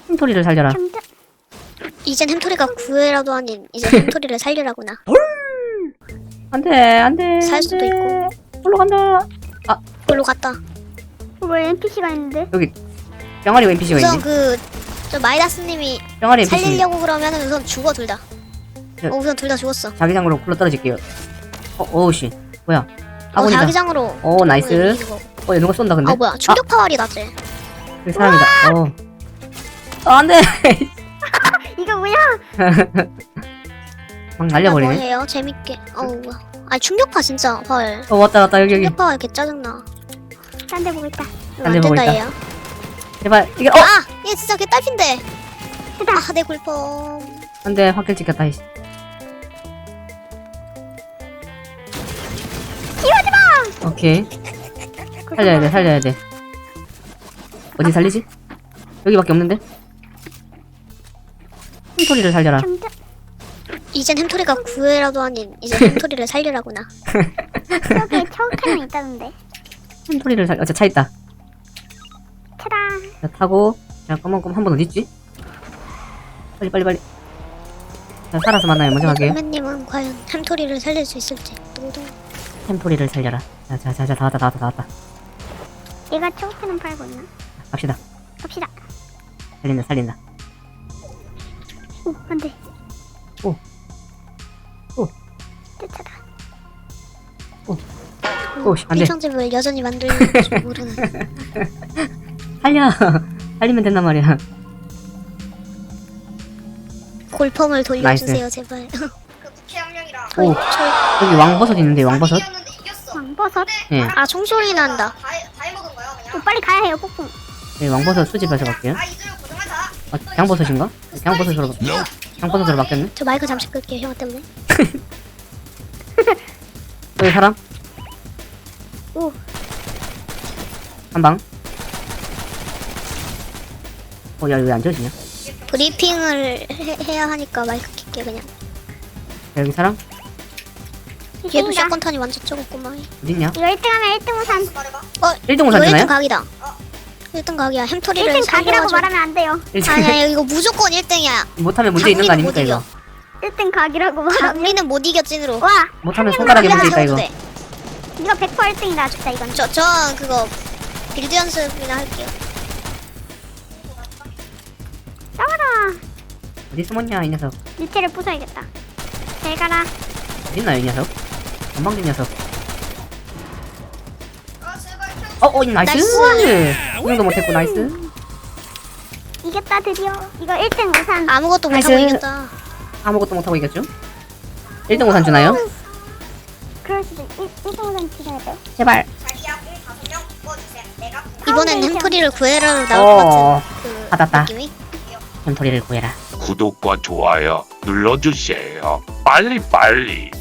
햄토리를 살려라. 이젠 햄토리가 구애라도 아닌 이제 햄토리를 살리라구나. 안돼 안돼. 살 수도 있고. 올라 간다. 아 그걸로 갔다. 왜 NPC가 있는데? 여기 병아리 NPC가 우선 있네. 저 마이다스님이 병아리 NPC. 살리려고 그러면 우선 죽어 둘 다. 네. 우선 둘 다 죽었어. 자기장으로 굴러 떨어질게요. 어우씨 뭐야? 아군이다. 자기장으로. 오 나이스. 얘 누가 쏜다 근데? 뭐야 충격 파월이 나지. 여기 사람이다. 안돼. 이거 뭐야? 막 날려버리네. 뭐해요 재밌게. 뭐야. 아니 충격파 진짜 헐. 왔다 여기. 충격파 개 짜증나. 딴 데 보고 있다. 딴데 보고 있다. 얘야. 제발 이게 얘 진짜 개 딸핀데. 됐다. 내 굴펑. 안돼 확킬 찍혔다. 이씨. 오케이. 살려야 돼. 어디 살리지? 여기밖에 없는데? 햄토리를 살려라. 이젠 햄토리가 구애라도 아닌 이제 햄토리를 살리라구나. 저기 처음에는 있다던데. 햄토리를 차 있다. 차다. 자, 타고. 자, 한번 어딨지? 빨리. 자, 살아서 만나요. 먼저 갈게요. 선배님은 과연 햄토리를 살릴 수 있을지. 노동. 햄토리를 살려라. 자, 다 왔다. 얘가 초록색은 팔고 있나? 갑시다. 갑시다. 살린다. 오, 안 돼. 오. 내 차다. 오씨, 안 돼. 필청집을 여전히 만들는지 모르는. 살리면 된단 말이야. 골펌을 돌려주세요 제발. 오, 여기 왕버섯 있는데, 왕버섯? 왕버섯? 예. 총소리 난다. 오, 빨리 가야 해요, 폭풍. 네, 왕버섯 수집해서 갈게요. 양버섯인가? 양버섯으로 바뀌었네? 저 마이크 잠시 끌게요 형 때문에. 여기 사람? 오. 한 방. 야, 왜 안 져지냐? 브리핑을 해야 하니까 마이크 킬게 그냥. 여기 사람? 얘도 샷건탄이 완전 적었구만. 어딨냐? 이거 1등하면 1등 우산. 1등 우산 이거 되나요? 1등 각이다. 1등 각이야. 햄토리를 1등 각이라고 살려가지고. 말하면 안 돼요. 아니야 이거 무조건 1등이야. 못하면 문제 있는 거 아닙니까, 이거? 1등 각이라고 말하면. 장미는 못 이겨 찐으로. 와, 못하면 손가락에 문제 있다, 이거. 이거 100% 1등이다, 진짜 이건. 저 그거 빌드 연습이나 할게요. 싸워라. 어디 숨었냐, 이 녀석? 밑에를 부숴야겠다. 잘 가라. 어딨나요, 이 녀석? 건방진 녀석. 나이스! 이 정도 못했고, 나이스. 이겼다, 드디어. 이거 1등 우산. 아무것도 못하고 나이스. 이겼다. 아무것도 못하고 이겼죠? 1등 우산 주나요? 그럴 수도 1등 우산 주셔야 돼요. 제발. 이번엔 햄토리를 구해라로 나올 것 같은 그 받았다. 느낌이. 햄토리를 구해라. 구독과 좋아요 눌러주세요. 빨리.